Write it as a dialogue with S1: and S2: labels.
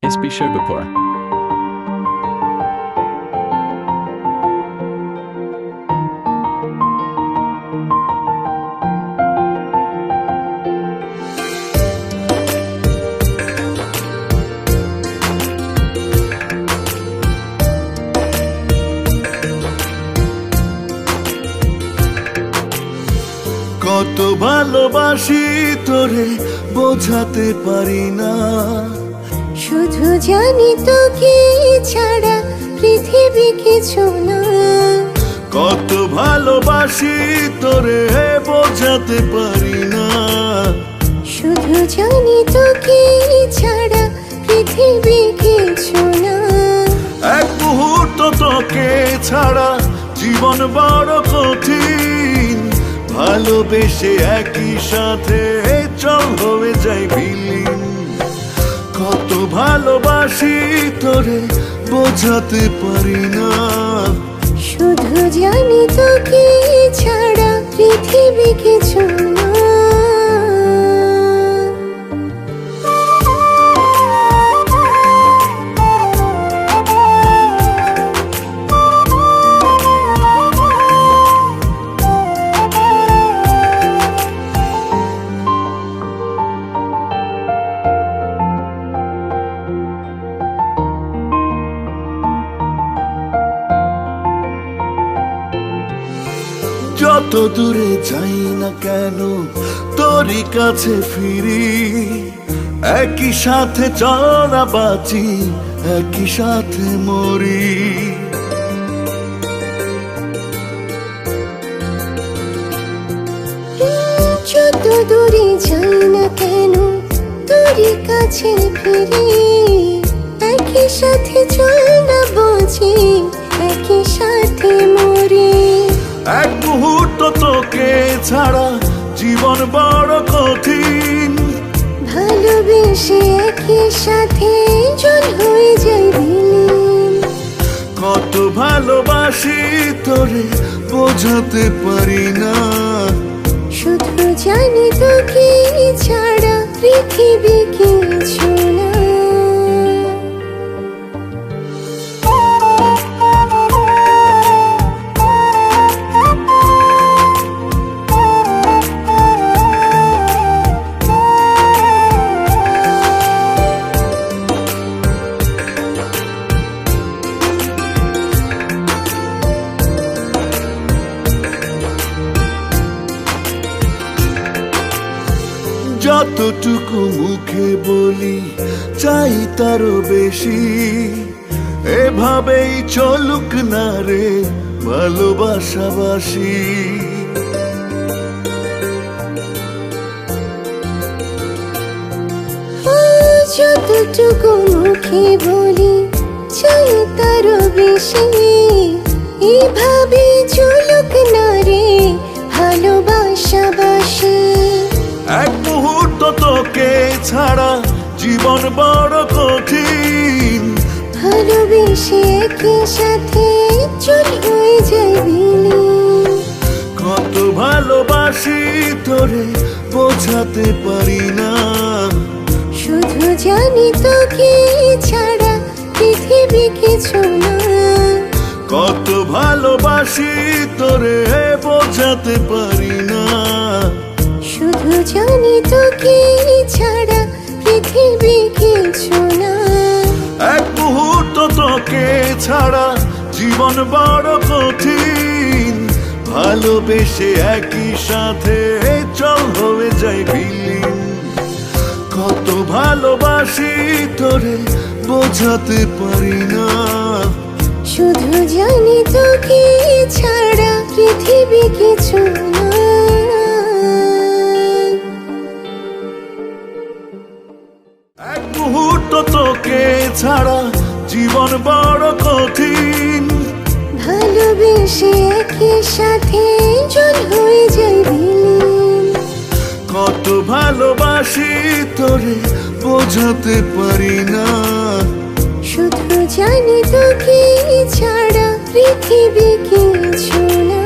S1: SP শৈবপুর।
S2: কত ভালোবাসি তোরে বোঝাতে পারি না,
S3: শুধু জানি তোকে ছাড়া পৃথিবী কিছু না।
S2: কত ভালোবাসি তোরে বোঝাতে পারি না,
S3: শুধু জানি তোকে ছাড়া পৃথিবী কিছু না।
S2: এক মুহূর্ত তোকে ছাড়া জীবন বড় কঠিন, ভালোবেসে একই সাথে চল হয়ে যাই বিলীন। কত ভালোবাসি তোরে বোঝাতে পারি না,
S3: শুধু জানি তোকে ছাড়া পৃথিবী কিছু না।
S2: যত দূরে যাই না কেন তোরই কাছে ফিরি, একই সাথে চলা বাঁচি একই সাথে মরি।
S3: যত দূরে যাই না কেন তোরই কাছে ফিরি, একই সাথে চল না বাঁচি একই সাথে মরি।
S2: এক মুহূর্ত তোকে ছাড়া জীবন বড় কঠিন,
S3: ভালোবেসে একই সাথে চল হয়ে যাই বিলীন।
S2: কত ভালোবাসি তোরে বোঝাতে পারি না,
S3: শুধু জানি তোকে ছাড়া পৃথিবী কিছু না।
S2: যতটুকু মুখে বলি চাই তারও বেশি, এভাবেই চলুক না রে ভালোবাসাবাসি।
S3: যতটুকু মুখে বলি চাই তারও বেশি, এভাবে চলুক না রে ভালোবাসাবাসি।
S2: এক মুহূর্ত তোকে ছাড়া জীবন বড় কঠিন,
S3: ভালোবেসে একই সাথে চল হয়ে যাই বিলীন।
S2: কত ভালোবাসি তোরে বোঝাতে পারি না,
S3: শুধু জানি তোকে ছাড়া পৃথিবী কিছু না।
S2: কত ভালোবাসি তোরে বোঝাতে পারি না,
S3: শুধু জানি তোকে ছাড়া পৃথিবী কিছু না।
S2: এক মুহূর্ত তোকে ছাড়া জীবন বড় কঠিন, ভালোবেসে একই সাথে চল হয়ে যাই বিলীন। কত ভালোবাসি তোরে বোঝাতে পারি না,
S3: শুধু জানি তোকে ছাড়া পৃথিবী কিছু না।
S2: এক মুহূর্ত তোকে ছাড়া জীবন বড় কঠিন,
S3: ভালোবেসে একই সাথে চল হয়ে যাই বিলীন।
S2: কত ভালোবাসি তোরে বোঝাতে পারি না,
S3: শুধু জানি তোকে ছাড়া পৃথিবী কিছু না।